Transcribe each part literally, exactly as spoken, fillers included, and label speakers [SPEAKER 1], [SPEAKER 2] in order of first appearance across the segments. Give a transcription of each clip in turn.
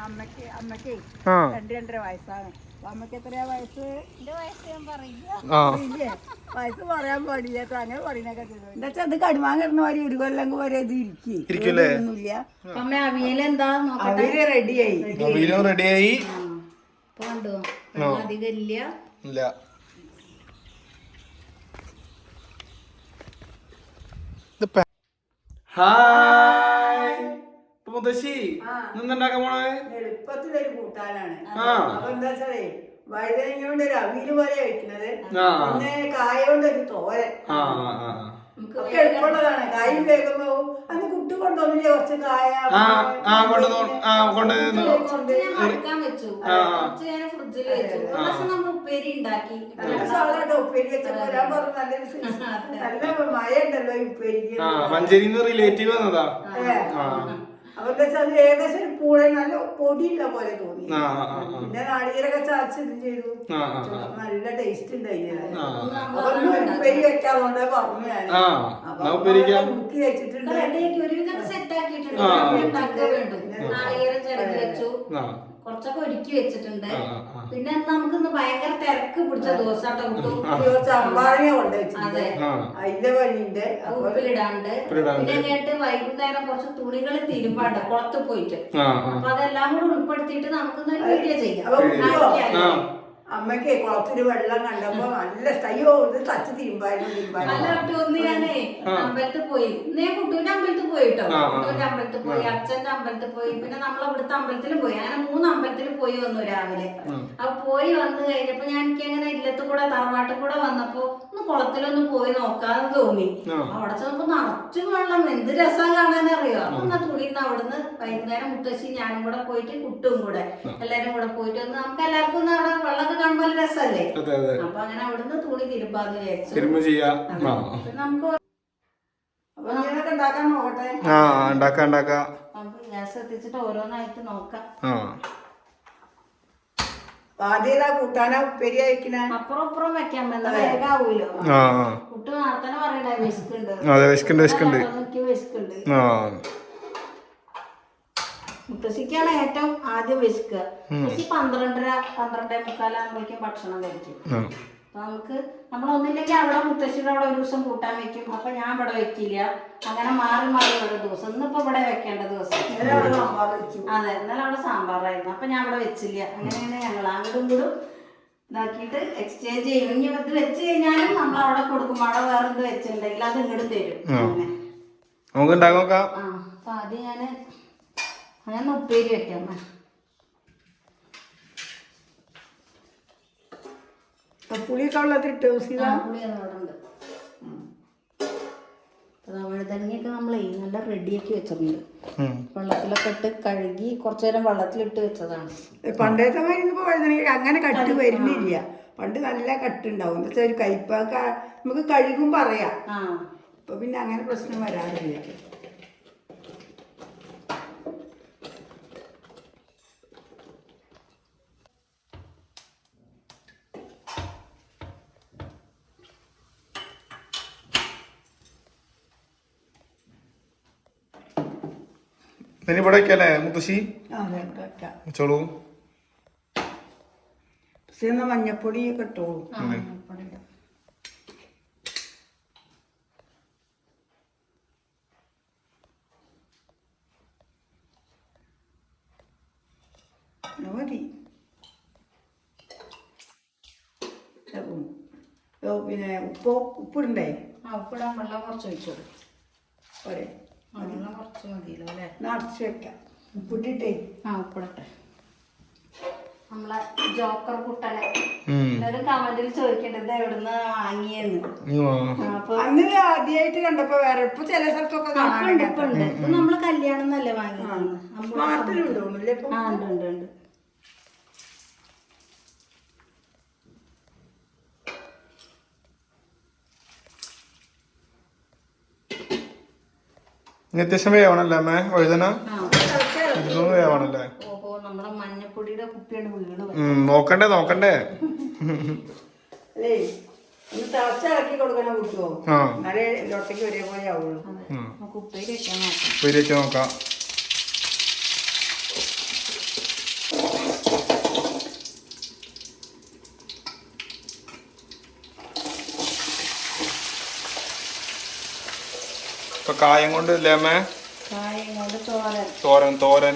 [SPEAKER 1] അമ്മക്ക് അമ്മക്ക് രണ്ട് രണ്ടര വയസ്സാണ്. അമ്മക്ക് എത്രയാ വയസ്സ്? എന്റെ വയസ്സ് ഞാൻ പറയില്ലേ, വയസ്സ് പറയാൻ പാടില്ല. അങ്ങനെ പറയുന്നൊക്കെ എന്താ വെച്ചാൽ അത് കടുമാൻ കിടന്ന മാതിരി ഒരു കൊല്ലം വരെ ഇത് ഇരിക്കൊന്നുമില്ല. അമ്മ അവിയലെന്താ അവിയല് റെഡിയായി,
[SPEAKER 2] റെഡിയായി
[SPEAKER 1] കണ്ടോ, അധികം ഇല്ല.
[SPEAKER 2] മുത്തശ്ശി നിന്നുണ്ടാക്കാൻ പോണേ
[SPEAKER 1] എളുപ്പത്തിലൊരു കൂട്ടാനാണ്. അപ്പൊ എന്താ വെച്ചാലേ വഴുതനങ്ങ കൊണ്ട് ഒരു അവിയല് പോലെ കഴിക്കുന്നത്, പിന്നെ കായ കൊണ്ട് ഒരു തോരൻ ഒക്കെ എളുപ്പമുള്ളതാണ്. കായും വേഗം പോവും. അന്ന് കുട്ടി കൊണ്ടുപോകില്ലേ കുറച്ച് കായ ഉപ്പേരി വെച്ചപ്പോ ഞാൻ പറഞ്ഞു നല്ല മഴ ഉണ്ടല്ലോ ഈ ഉപ്പേരിക്ക്.
[SPEAKER 2] മഞ്ചേരിന്ന് റിലേറ്റീവ് വന്നതാ.
[SPEAKER 1] അവരുടെ അത് ഏകദേശം ഒരു പൂളെ നല്ല പൊടിയുള്ള പോലെ തോന്നി. പിന്നെ നാളികേരൊക്കെ ചാച്ച് ഇത് ചെയ്തു, നല്ല ടേസ്റ്റ് ഉണ്ടായിരുന്നു. അപ്പൊ ഉപ്പേരി വെക്കാറുണ്ട് പറഞ്ഞു ഞാൻ. മുക്കി വെച്ചിട്ടുണ്ട്, നാളികേരം ചിരകി വെച്ചു, കുറച്ചൊക്കെ ഒരുക്കി വെച്ചിട്ടുണ്ട്. പിന്നെ നമുക്കിന്ന് ഭയങ്കര തിരക്ക് പിടിച്ച ദിവസമാട്ടോ കിട്ടും. ചമ്പാഴ കൊണ്ട് അതെ അതിന്റെ പണിയുണ്ട്, ഉപ്പിലിടാണ്ട്. പിന്നെ കേട്ട് വൈകുന്നേരം കുറച്ച് തുണികൾ തിരുമ്പാണ്ട് കുളത്ത് പോയിട്ട്. അപ്പൊ അതെല്ലാം കൂടെ ഉൾപ്പെടുത്തിയിട്ട് നമുക്കിന്ന് ഒരു വീഡിയോ ചെയ്യാം. അമ്മക്ക് കുളത്തിന് വെള്ളം കണ്ടപ്പോ നല്ല അയ്യോ ഇത് തച്ച് തിരുമ്പായിരുന്നു. ഒന്ന് ഞാനേ അമ്പലത്തിൽ പോയി, ഇന്നേ കുട്ടൂന്റെ അമ്പലത്തിൽ പോയിട്ടോ. കുട്ടൂന്റെ അമ്പലത്തിൽ പോയി, അച്ഛന്റെ അമ്പലത്തിൽ പോയി, പിന്നെ നമ്മളെ ഇവിടുത്തെ അമ്പലത്തിൽ പോയി. അങ്ങനെ മൂന്ന് അമ്പലത്തിൽ പോയി വന്നു രാവിലെ. അപ്പൊ പോയി വന്നു കഴിഞ്ഞപ്പോ ഞാൻ എനിക്ക് അങ്ങനെ ഇല്ലത്ത് കൂടെ തറവാട്ടിൽ കൂടെ വന്നപ്പോ ഒന്ന് കുളത്തിലൊന്ന് പോയി നോക്കാന്ന് തോന്നി. അവിടെ ചെന്നപ്പോ നിറച്ചും വെള്ളം, എന്ത് രസം കാണാനറിയോ. അപ്പൊ എന്നാ തുണിന്ന് അവിടുന്ന് വൈകുന്നേരം മുത്തശ്ശി ഞാനും കൂടെ പോയിട്ട് കുട്ടും കൂടെ എല്ലാരും കൂടെ പോയിട്ട് ഒന്ന് നമുക്ക് എല്ലാവർക്കും ഒന്ന് അവിടെ വെള്ളമൊക്കെ കാണുമ്പോൾ രസല്ലേ. അപ്പൊ അങ്ങനെ അവിടുന്ന് തുണി തിരുമ്പാന്ന് വിചാരിച്ചു. നമുക്ക് ഉണ്ടാക്കാൻ നോക്കട്ടെ. ഗ്യാസ് എത്തിച്ചിട്ട് ഓരോന്നായിട്ട് നോക്കാം. ആദ്യം കൂട്ടാനാ ഉപ്പേരി അയക്കണ അപ്പുറം അപ്പുറം വെക്കാൻ വേഗാവൂലോ. കുട്ടി നടത്തന്നെ പറയണ്ടേ വിശക്കുണ്ട് വിശക്കുണ്ട്. മുത്തശ്ശിക്കാണ് ഏറ്റവും ആദ്യം വിശക്കുക. മുത്തശ്ശി പന്ത്രണ്ടര പന്ത്രണ്ടേ മുക്കാലാകുമ്പോഴേക്കും ഭക്ഷണം കഴിക്കും. അപ്പൊ നമുക്ക് നമ്മളൊന്നില്ലെങ്കിൽ അവിടെ മുത്തശ്ശിയുടെ അവിടെ ഒരു ദിവസം കൂട്ടാൻ വെക്കും, അപ്പൊ ഞാൻ ഇവിടെ വെക്കില്ല. അങ്ങനെ മാറി മാറി ഓരോ ദിവസം. ഇന്നിപ്പോ ഇവിടെ വെക്കേണ്ട ദിവസം. അതെ, ഇന്നലെ അവിടെ സാമ്പാറായിരുന്നു, അപ്പൊ ഞാൻ ഇവിടെ വെച്ചില്ല. അങ്ങനെയാണ് ഞങ്ങൾ അങ്ങോട്ടും കൂടും ഇതാക്കിയിട്ട് എക്സ്ചേഞ്ച് ചെയ്യും. ഇനി ഇത് വെച്ച് കഴിഞ്ഞാലും നമ്മൾ അവിടെ കൊടുക്കും. അവിടെ വേറെ എന്ത് വെച്ചിട്ടുണ്ടെങ്കിൽ അത് ഇങ്ങോട്ടും തരും. അങ്ങനെ ആ അപ്പൊ ആദ്യം ഞാന് അങ്ങനെ ഉപ്പേരി വെക്കാം. പുളിയൊക്കെ വെള്ളത്തിലിട്ട് പുളിയൊന്നുണ്ട്. വഴുതനങ്ങയൊക്കെ നമ്മളെ നല്ല റെഡിയാക്കി വെച്ചിട്ടുണ്ട്. വെള്ളത്തിലൊക്കെ ഇട്ട് കഴുകി കുറച്ചു നേരം വെള്ളത്തിലിട്ട് വെച്ചതാണ്. പണ്ടത്തെ മരുന്നിപ്പോ വഴുതനങ്ങ അങ്ങനെ കട്ട് വരുന്നില്ല. പണ്ട് നല്ല കട്ടുണ്ടാവും. എന്താ വെച്ചാൽ ഒരു കയ്പൊക്കെ നമുക്ക് കഴുകുമ്പോ അറിയാം. ഇപ്പൊ പിന്നെ അങ്ങനെ പ്രശ്നം വരാറില്ല.
[SPEAKER 2] ഇവിടെ വെക്കല്ലേ മുത്തശ്ശി? ചോളൂ
[SPEAKER 1] മഞ്ഞപ്പൊടി ഒക്കെ ഇട്ടോളൂ. മതി. പിന്നെ ഉപ്പ് ഉപ്പിടണ്ടേ? ആ ഉപ്പിടാൻ വെള്ളം കുറച്ച് ഒഴിച്ചോളൂ. പോരെ, കുറച്ച് മതിയല്ലോ അല്ലേ? നിറച്ച് വെക്കാം. ഉപ്പിട്ടിട്ടേ ആ ഉപ്പിടട്ടെ. നമ്മളെ ജോക്കർ കുട്ടനെ എല്ലാവരും കമന്റിൽ ചോദിക്കേണ്ടത് എവിടുന്ന് വാങ്ങിയെന്ന്. അപ്പൊ അന്ന് ആദ്യമായിട്ട് കണ്ടപ്പോ വേറെ ഇപ്പൊ ചില സ്ഥലത്തൊക്കെ കാണാറുണ്ട്. ഇപ്പൊ ഉണ്ട്. ഇപ്പൊ നമ്മള് കല്യാണം എന്നല്ലേ വാങ്ങിയത്. നാട്ടിലുണ്ടോന്നില്ലേ? ആ ഉണ്ട് ഉണ്ട് ഉണ്ട്.
[SPEAKER 2] അത്യാവശ്യം വേവണല്ലേ അമ്മേ വഴുതന? വേവണല്ലേ? നോക്കണ്ടേ നോക്കണ്ടേ ഉപ്പേരി വെച്ച് നോക്കാം. ഇപ്പൊ കായം കൊണ്ട് ഇല്ലേ അമ്മേ?
[SPEAKER 1] കായം കൊണ്ട് തോരൻ.
[SPEAKER 2] തോരൻ തോരൻ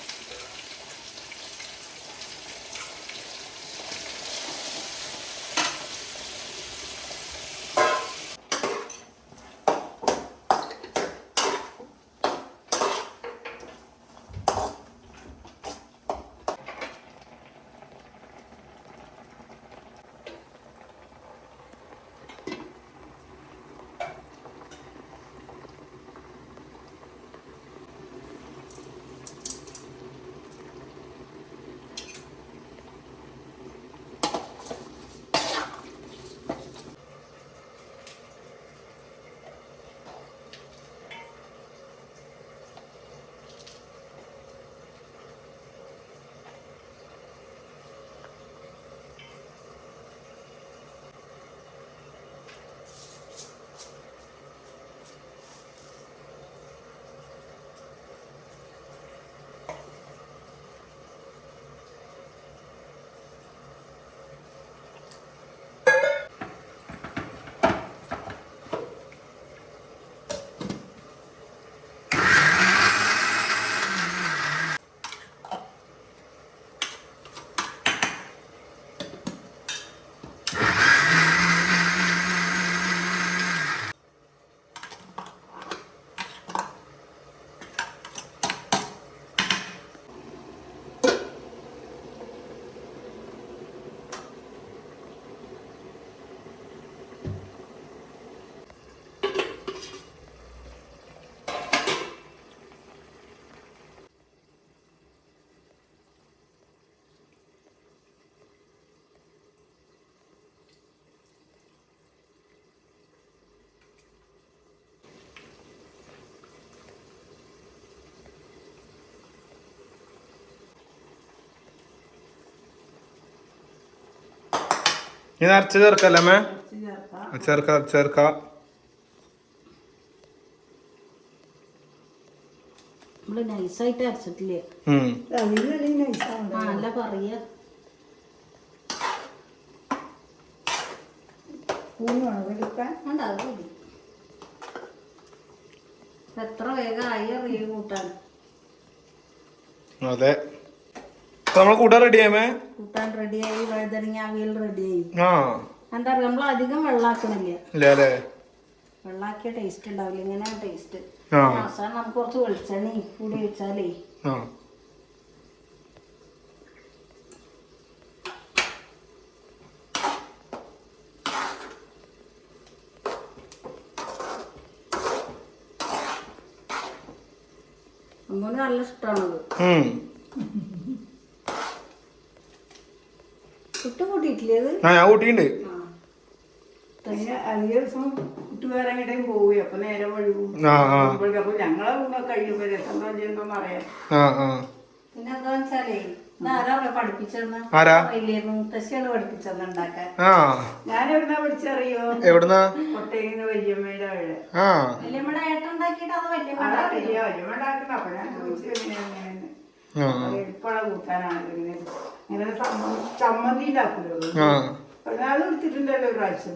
[SPEAKER 2] ഇത് അരച്ച് ചേർക്കല്ലേ അമ്മേ? ചേർക്ക ചേർക്ക
[SPEAKER 1] നമ്മള് നൈസായിട്ട് അരച്ചിട്ടില്ലേ? അല്ല പറയാ എത്ര വേഗമായി അറിയ കൂട്ടാൻ.
[SPEAKER 2] അതെ നമ്മളെ കൂട്ടാൻ റെഡിയാമേ?
[SPEAKER 1] കൂട്ടാൻ റെഡിയായി. വഴുതനങ്ങ അവിയൽ റെഡിയായി.
[SPEAKER 2] ആ
[SPEAKER 1] എന്താ പറയാ, നമ്മൾ അധികം വെള്ളാക്കണില്ല.
[SPEAKER 2] ഇല്ലേ?
[SPEAKER 1] വെള്ളാക്കിയ ടേസ്റ്റ് ഉണ്ടാവില്ല. ഇങ്ങനെ ടേസ്റ്റ്. അവസാനം നമുക്ക് കുറച്ച് വെളിച്ചെണ്ണ കൂടി ഒഴിച്ചാലേ അമ്മൂന് നല്ല ഇഷ്ടമാണത്. കുട്ടി കൂട്ടിയിട്ടില്ലേ അത്?
[SPEAKER 2] ഞാൻ കൂട്ടിണ്ട്.
[SPEAKER 1] കൂട്ടുകാരെങ്കിലും പോവുക അപ്പൊ നേരെ വഴുകും. അപ്പൊ ഞങ്ങളെ കൂടെ കഴിയുമ്പോ രസം എന്തോന്ന് അറിയാം. പിന്നെ എന്താ വെച്ചാലേ ആരാ പഠിപ്പിച്ചെന്ന് മുത്തശ്ശിയാണ് പഠിപ്പിച്ചെന്ന് ഉണ്ടാക്കാൻ. ഞാൻ എവിടുന്നാ പഠിച്ചറിയോ?
[SPEAKER 2] എവിടുന്നാ?
[SPEAKER 1] കൊട്ടയിന്ന് വല്യമ്മയുടെ അവിടെ. വല്യമ്മയുടെ ഏട്ടൻ ഉണ്ടാക്കിയിട്ട് അത് വല്യമ്മ വല്യമ്മ ഉണ്ടാക്കണം. അപ്പൊ ഞാൻ ചോദിച്ചു എങ്ങനെയാണെന്ന്. എളുപ്പമുള്ള കൂട്ടാനാണ്. ഇങ്ങനെ ഇങ്ങനെ ചമ്മന്തി ഉണ്ടാക്കുമല്ലോ. അത് എടുത്തിട്ടുണ്ടല്ലോ പ്രാവശ്യം.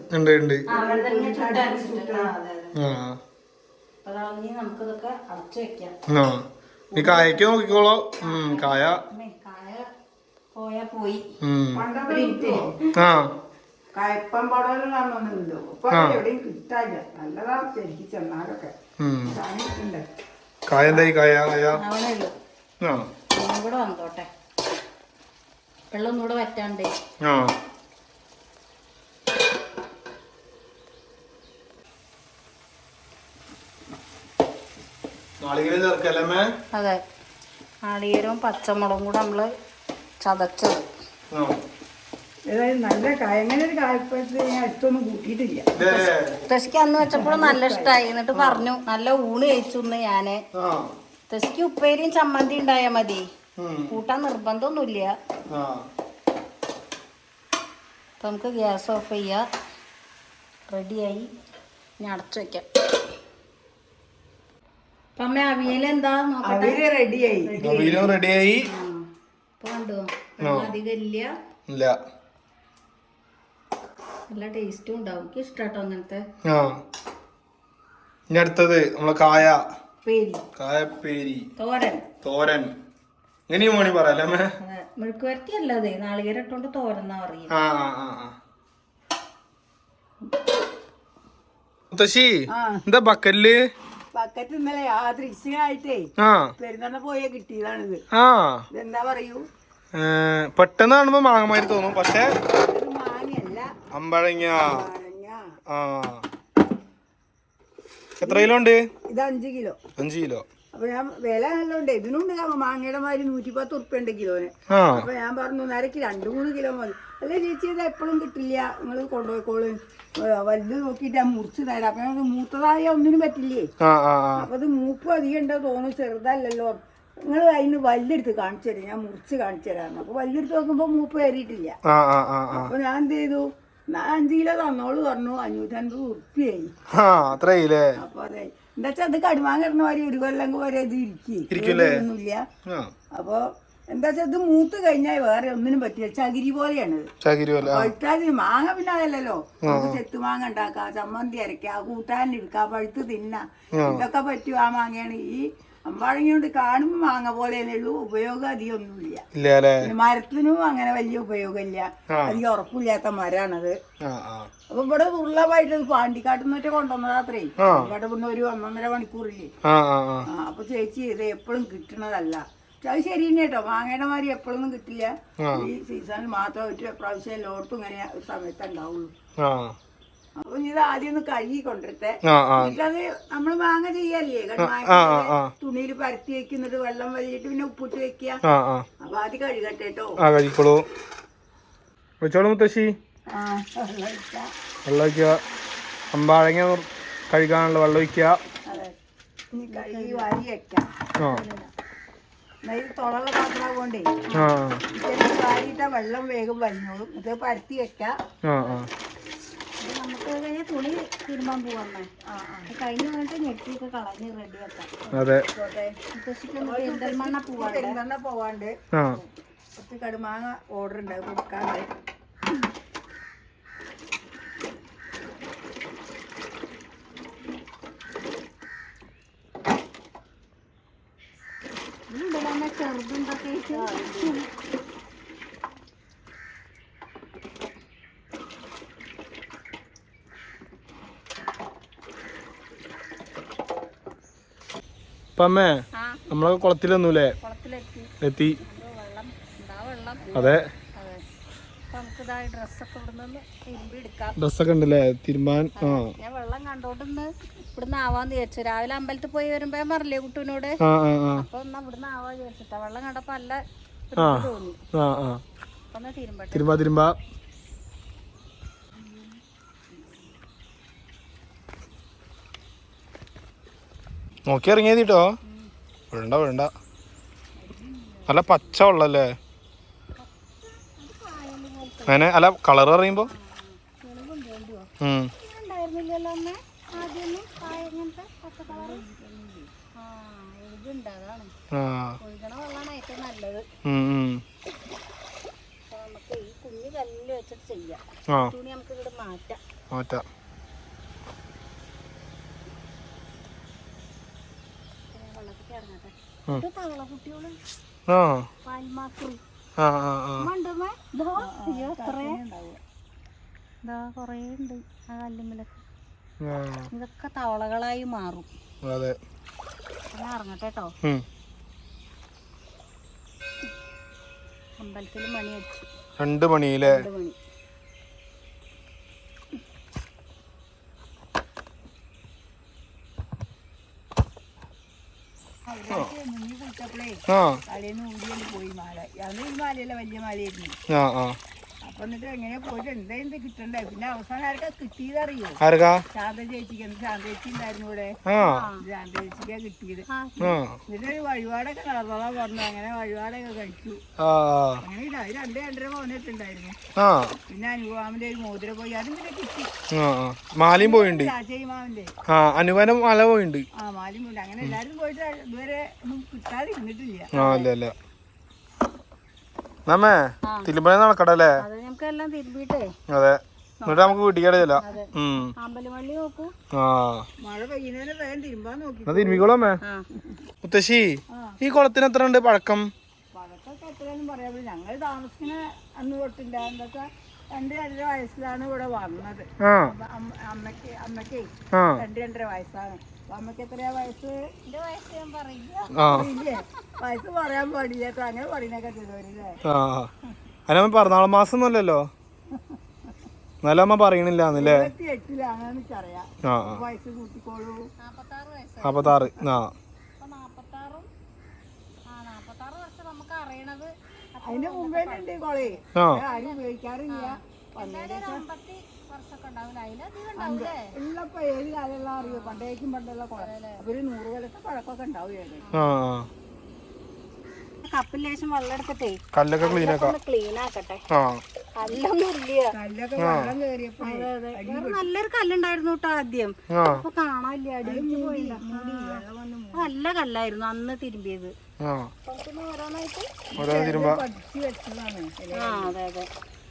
[SPEAKER 1] നമുക്കിതൊക്കെ അടച്ചു വെക്കാം.
[SPEAKER 2] നീ കായക്ക് നോക്കിക്കോളോ. കായ
[SPEAKER 1] കായ പോയാ പോയി. കയപ്പം പടവലും കാണുന്നുണ്ടോ? ഇപ്പൊ എവിടെയും കിട്ടാനില്ല. നല്ലതാണ് ശരിക്കും ചെന്നാലൊക്കെ.
[SPEAKER 2] കായ എന്തായി? കായ കായ
[SPEAKER 1] അവിടെ ഉള്ളു. ഒന്നും കൂടെ വന്നോട്ടെ. വെള്ളം ഒന്നുകൂടെ വറ്റാണ്ടേ.
[SPEAKER 2] അതെ,
[SPEAKER 1] നാളികേരവും പച്ചമുളകും കൂടെ നമ്മള് ചതച്ചത്.
[SPEAKER 3] നല്ല അങ്ങനെ ഒരു കായപ്പഴത്തിൽ ഞാൻ അടുത്തൊന്നും കൂട്ടിയിട്ടില്ല.
[SPEAKER 1] തെസ്ക്ക് അന്ന് വെച്ചപ്പോഴും നല്ല ഇഷ്ടമായി. എന്നിട്ട് പറഞ്ഞു നല്ല ഊണ് കഴിച്ചു ഞാന്. തെസ്ക്ക് ഉപ്പേരിയും ചമ്മന്തി ഉണ്ടായാ മതി, കൂട്ടാൻ നിർബന്ധമൊന്നുമില്ല. നമുക്ക് ഗ്യാസ് ഓഫ് ചെയ്യാം. റെഡിയായി. ഞാൻ അടച്ചു വെക്കാം. അമ്മ അവിയലെന്താ നോക്കട്ടെ.
[SPEAKER 3] റെഡിയായി.
[SPEAKER 2] റെഡിയായി.
[SPEAKER 1] കണ്ടോ? അധികം ഇല്ല. നല്ല ടേസ്റ്റും ഉണ്ടാവും. എനിക്ക് ഇഷ്ടാട്ടോ അങ്ങനത്തെ.
[SPEAKER 2] ഇനി അടുത്തത് നമ്മളെ കായ
[SPEAKER 3] പേരി
[SPEAKER 2] കായപ്പേരി
[SPEAKER 3] തോരൻ
[SPEAKER 2] തോരൻ ഇങ്ങനെയും വേണി പറയാല്ലേ അമ്മേ?
[SPEAKER 3] മെഴുക്ക് വരട്ടി അല്ലാതെ നാളികേരം ഇട്ടോണ്ട് തോരന്നാ പറയും.
[SPEAKER 2] ആ ആ ആ ആ. മുത്തശ്ശി എന്താ ബക്കല്ല്?
[SPEAKER 3] പക്കത്ത് ഇന്നലെ യാദൃശ്യമായിട്ടേ
[SPEAKER 2] ആ
[SPEAKER 3] പെരുന്നാളിന് പോയ കിട്ടിയതാണിത്.
[SPEAKER 2] ആ
[SPEAKER 3] ഇതെന്താ പറയൂ,
[SPEAKER 2] പെട്ടെന്ന് കാണുമ്പോ മാങ്ങമാരി തോന്നും, പക്ഷെ
[SPEAKER 3] ഇത് മാങ്ങയല്ല,
[SPEAKER 2] അമ്പഴങ്ങ.
[SPEAKER 3] പഴങ്ങ.
[SPEAKER 2] ആ എത്ര കിലോ ഉണ്ട്?
[SPEAKER 3] ഇത് അഞ്ച് കിലോ.
[SPEAKER 2] അഞ്ച് കിലോ.
[SPEAKER 3] അപ്പൊ ഞാൻ വില നല്ലോണ്ട്. ഇതിനുണ്ട് മാങ്ങയുടെ മാതിരി നൂറ്റി പത്ത് ഉറുപ്പ്യ ഉണ്ട് കിലോന്.
[SPEAKER 2] ആ
[SPEAKER 3] അപ്പൊ ഞാൻ പറഞ്ഞു നേരക്ക് രണ്ടു മൂന്ന് കിലോ മതി. അല്ല ചേച്ചി ഇത് എപ്പോഴും കിട്ടില്ല, നിങ്ങൾ കൊണ്ടുപോയിക്കോള്, വലുത് നോക്കിയിട്ട് ഞാൻ മുറിച്ച് തരാം. അപ്പൊ ഞങ്ങൾക്ക് മൂത്തതായ ഒന്നിനും പറ്റില്ലേ.
[SPEAKER 2] ആ ആ ആ.
[SPEAKER 3] അപ്പൊ ഇത് മൂപ്പ് അധികം ഉണ്ടോ തോന്നുന്നു, ചെറുതല്ലല്ലോ. നിങ്ങൾ അതിന് വല്ലെടുത്ത് കാണിച്ചു തരും, ഞാൻ മുറിച്ച് കാണിച്ചു തരാറുണ്ട്. അപ്പൊ വല്ലെടുത്ത് നോക്കുമ്പോ മൂപ്പ് കയറിയിട്ടില്ല.
[SPEAKER 2] ആ ആ ആ.
[SPEAKER 3] അപ്പൊ ഞാൻ എന്ത് ചെയ്തു, ഞാൻ അഞ്ച് കിലോ തന്നോളൂ പറഞ്ഞു, അഞ്ഞൂറ്റൻപത് ഉറുപ്പ്യായി.
[SPEAKER 2] ആ അത്രയില്ലേ?
[SPEAKER 3] അപ്പൊ അതെ എന്താ വെച്ചാൽ അത് കടുമാങ്ങ ഇടുന്ന മാതിരി ഒരു കൊല്ലം വരെ ഇത് ഇരിക്കൊന്നുമില്ല. അപ്പൊ എന്താ വെച്ചാൽ ഇത് മൂത്ത് കഴിഞ്ഞാൽ വേറെ ഒന്നിനും പറ്റില്ല, ചകിരി പോലെയാണ്. പഴുത്താൽ മാങ്ങ പിന്നെ അതല്ലല്ലോ, നമുക്ക് ചെത്തു മാങ്ങ ഉണ്ടാക്കാം, ചമ്മന്തി അരക്കാം, കൂട്ടാൻ എടുക്കാം, പഴുത്ത് തിന്നാം, ഇതൊക്കെ പറ്റും. ആ മാങ്ങയാണ് ഈ അമ്പാഴങ്ങ കൊണ്ട് കാണുമ്പോ മാങ്ങ പോലെ ഉള്ളൂ, ഉപയോഗം അധികം ഒന്നുമില്ല. മരത്തിനും അങ്ങനെ വലിയ ഉപയോഗമില്ല, അധികം ഉറപ്പില്ലാത്ത മരാണത്. അപ്പൊ ഇവിടെ ഉള്ളതായിട്ട് പാണ്ടിക്കാട്ടിൽ നിന്നൊക്കെ കൊണ്ടുവന്നത് അത്രേ. ഇവിടെ പിന്നെ ഒരു ഒന്നൊന്നര മണിക്കൂറില്ലേ. അപ്പൊ ചേച്ചി ഇത് എപ്പോഴും കിട്ടണതല്ല. അത് ശരി തന്നെ കേട്ടോ, മാങ്ങയുടെ മാതിരി എപ്പോഴൊന്നും കിട്ടില്ല, ഈ സീസണിൽ മാത്രം ഒരു പ്രാവശ്യം എല്ലായിടത്തും ഇങ്ങനെ സമയത്ത് ഉണ്ടാവുള്ളൂ. അപ്പൊ ഇത് ആദ്യം ഒന്ന് കഴുകി കൊണ്ടിട്ടെ, എന്നിട്ടത് നമ്മള് മാങ്ങ ചെയ്യല്ലേ, തുണിയിൽ പരത്തി വെക്കുന്നിട്ട് വെള്ളം വലിയിട്ട് പിന്നെ ഉപ്പിട്ട് വെക്കുക. അപ്പൊ ആദ്യം കഴുകട്ടെ കേട്ടോ.
[SPEAKER 2] മുത്തശ്ശി വെള്ളം ഒഴിക്കുക, അമ്പാഴങ്ങ കഴുകാനുള്ള വെള്ളം ഒഴിക്കുക.
[SPEAKER 3] അതെ, ഇനി കഴുകി വാരി വെക്കാം. തുളള്ള പാത്രമാകൊണ്ടേ വാരിയിട്ട വെള്ളം വേഗം വലിഞ്ഞോളും. ഇത് പരത്തി വെക്കാം. നമുക്ക് കഴിഞ്ഞാൽ തുണി തിരുമ്പാൻ പോവാണ്. കഴിഞ്ഞ് വന്നിട്ട് ഞെട്ടിയൊക്കെ കളഞ്ഞ് റെഡി ആക്കാം. പെരിന്തൽമണ്ണ പോവാണ്ട് പെരിന്തൽമണ്ണ പോവാണ്ട് കുറച്ച് കടുമാങ്ങ ഓർഡർ ഉണ്ട്, കൊടുക്കാണ്ട്. ചെറുതുണ്ടൊക്കെ
[SPEAKER 2] ഇപ്പൊ അമ്മേ നമ്മളെ കുളത്തിലൊന്നുമില്ലേ? എത്തി. അതെ, ഡ്രസ്സൊക്കെ ഉണ്ടല്ലേ തിരുമ്പാൻ. ആ
[SPEAKER 1] ഞാൻ വെള്ളം കണ്ടോണ്ടിന്ന് ഇവിടുന്ന് ആവാന്ന് വിചാരിച്ചു. രാവിലെ അമ്പലത്തിൽ പോയി വരുമ്പോ ഞാൻ പറഞ്ഞില്ലേ കുട്ടൂനോട്, അപ്പൊ എന്നാ ഇവിടുന്ന് ആവാ വിചാരിച്ചിട്ടാ. വെള്ളം കണ്ടപ്പോ നല്ല തോന്നി.
[SPEAKER 2] തിരുമ്പാ തിരുമ്പാ നോക്കി ഇറങ്ങിയതിട്ടോ. വേണ്ട വേണ്ട, നല്ല പച്ച വെള്ളല്ലേ അങ്ങനെ. അല്ല കളർ അറിയുമ്പോ മാറ്റാം.
[SPEAKER 1] ഇതൊക്കെ തവളകളായി മാറും.
[SPEAKER 2] അതെ,
[SPEAKER 1] ഇറങ്ങട്ടെ കേട്ടോ. അമ്പലത്തിൽ മണി അടിച്ചു.
[SPEAKER 2] രണ്ട് മണിയിലെ
[SPEAKER 1] മണി.
[SPEAKER 3] തലേന്ന് ഊരിയാണ് പോയി മാല. അത് ഈ മാലയല്ല, വലിയ മാലയായിരുന്നു. അപ്പൊ എന്നിട്ട് എങ്ങനെ പോയിട്ട് എന്താ എന്ത് കിട്ടണ്ടേ. പിന്നെ അവസാനം ആർക്കാ കിട്ടിയതറിയോ? ശാന്ത ചേച്ചിക്ക്. ശാന്ത ചേച്ചി ഉണ്ടായിരുന്നു ഇവിടെ. ശാന്ത ചേച്ചിക്കാ കിട്ടിയത്. എന്നിട്ട് ഒരു വഴിപാടൊക്കെ നടന്നോളാൻ പറഞ്ഞു. അങ്ങനെ വഴിപാടൊക്കെ കഴിച്ചു. അങ്ങനെ രണ്ട് രണ്ടര പവനിട്ടുണ്ടായിരുന്നു. പിന്നെ അനുവാമിന്റെ ഒരു മോതിര പോയി, അതും പിന്നെ കിട്ടി.
[SPEAKER 2] മാലയും പോയിണ്ട്.
[SPEAKER 3] രാജമാവിന്റെ
[SPEAKER 2] അനുവാനം മല പോയിണ്ട്.
[SPEAKER 3] ആ മാലയും പോയിണ്ട്. അങ്ങനെ എല്ലാരും പോയിട്ട് ഇതുവരെ ഒന്നും കിട്ടാതെ ഇരുന്നിട്ടില്ല.
[SPEAKER 2] നമ്മേ തിരുമ്പ നടക്കടല്ലേ?
[SPEAKER 1] എല്ലാം തിരുമ്പിട്ടേ.
[SPEAKER 2] അതെ, എന്നിട്ട് നമുക്ക് വീട്ടിക്കാടെ ചെല്ലാം.
[SPEAKER 4] അമ്പലവള്ളി നോക്കൂ.
[SPEAKER 2] ആ
[SPEAKER 3] മഴ പെയ്യുന്നതിന് വേഗം തിരുമ്പാൻ നോക്കി.
[SPEAKER 2] എന്നാ തിരുമ്മിക്കോളമ്മേ. മുത്തശ്ശി ഈ കുളത്തിന് എത്ര ഉണ്ട് പഴക്കം?
[SPEAKER 3] പഴക്കൊക്കെ എത്രയാണെന്ന് പറയാൻ പറ്റില്ല. ഞങ്ങൾ താമസിക്കുന്ന അന്ന് തൊട്ടില്ല. എന്തൊക്കെ രണ്ട് രണ്ടര വയസ്സിലാണ് ഇവിടെ വന്നത്. അമ്മക്ക് അമ്മക്കേ രണ്ട് രണ്ടര വയസ്സാണ്. അപ്പൊ അമ്മക്ക് എത്രയാ വയസ്സ്?
[SPEAKER 4] എന്റെ വയസ്സ് ഞാൻ പറയില്ല.
[SPEAKER 3] ഇല്ലേ വയസ്സ് പറയാൻ പാടില്ല. അങ്ങനെ പറയുന്നൊക്കെ ചെയ്തവരില്ലേ?
[SPEAKER 2] അതിനമ്മ പിറന്നാള് മാസം ഒന്നുമല്ലല്ലോ. എന്നാലും അമ്മ പറയണില്ലാന്നല്ലേ?
[SPEAKER 3] ഇരുപത്തി എട്ടിലാണെന്ന് എനിക്കറിയാം. വയസ്സ് കൂട്ടിക്കോളൂ.
[SPEAKER 4] നാപ്പത്താറ് വയസ്സ്.
[SPEAKER 2] നാപ്പത്താറ്. ആ
[SPEAKER 4] നാപ്പത്താറും ആ നാപ്പത്താറ് വർഷം നമുക്ക് അറിയണത്.
[SPEAKER 3] അതിന്റെ മുമ്പേ ഉണ്ട് കോളേ. ആരും ഉപയോഗിക്കാറില്ല.
[SPEAKER 4] അമ്പത്തി വർഷമൊക്കെ ഉണ്ടാവില്ല. അതിലധികം ഉണ്ടാവില്ലേ?
[SPEAKER 3] ഉള്ളപ്പോ ഏത് കാലമുള്ള അറിയോ? പണ്ടേക്കും പണ്ടുള്ള കുളം. അപ്പൊ ഒരു നൂറ് കൊല്ലത്തെ പഴക്കമൊക്കെ ഉണ്ടാവുകയാണ്.
[SPEAKER 4] കപ്പിൽ ലേശം വെള്ളം എടുത്തിട്ടേ
[SPEAKER 2] കല്ലൊക്കെ ക്ലീൻ ആക്കാം.
[SPEAKER 4] ക്ലീൻ ആക്കട്ടെ. കല്ലൊന്നും ഇല്ല.
[SPEAKER 3] കല്ലൊക്കെ വെള്ളം കയറിയപ്പോ
[SPEAKER 4] നല്ലൊരു കല്ലുണ്ടായിരുന്നു കേട്ടോ ആദ്യം. അപ്പൊ കാണാനില്ല. അടിയിലേക്ക് പോയില്ല. നല്ല കല്ലായിരുന്നു അന്ന് തിരുമ്പിയത്.
[SPEAKER 3] പഠിച്ചു വെച്ചതാണ്.
[SPEAKER 4] ആ അതെ അതെ.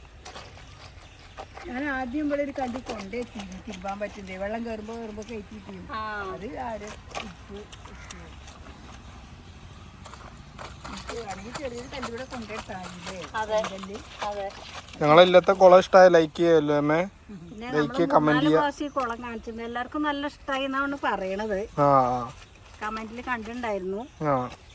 [SPEAKER 3] ഞാൻ ആദ്യം ഇവിടെ ഒരു കല്ല് കൊണ്ടേ തിരുമ്പാൻ പറ്റില്ലേ? വെള്ളം കയറുമ്പോ കയറുമ്പോ കയറ്റിട്ട് അത് ആര് ചെറിയൊരു കല്ലിവിടെ കൊണ്ടുപോയിട്ടാല്ലേ.
[SPEAKER 2] ഞങ്ങളെല്ലാത്ത കുളം ഇഷ്ടമായ ലൈക്ക് ചെയ്യല്ലോ അമ്മേ. ലൈക്ക് കമന്റ് ചെയ്യാം.
[SPEAKER 4] കുളം കാണിച്ചിരുന്നു. എല്ലാവർക്കും നല്ല ഇഷ്ടമായി എന്നാണ് പറയണത്.
[SPEAKER 2] ആ
[SPEAKER 4] കമന്റിൽ കണ്ടിട്ടുണ്ടായിരുന്നു.
[SPEAKER 2] ആ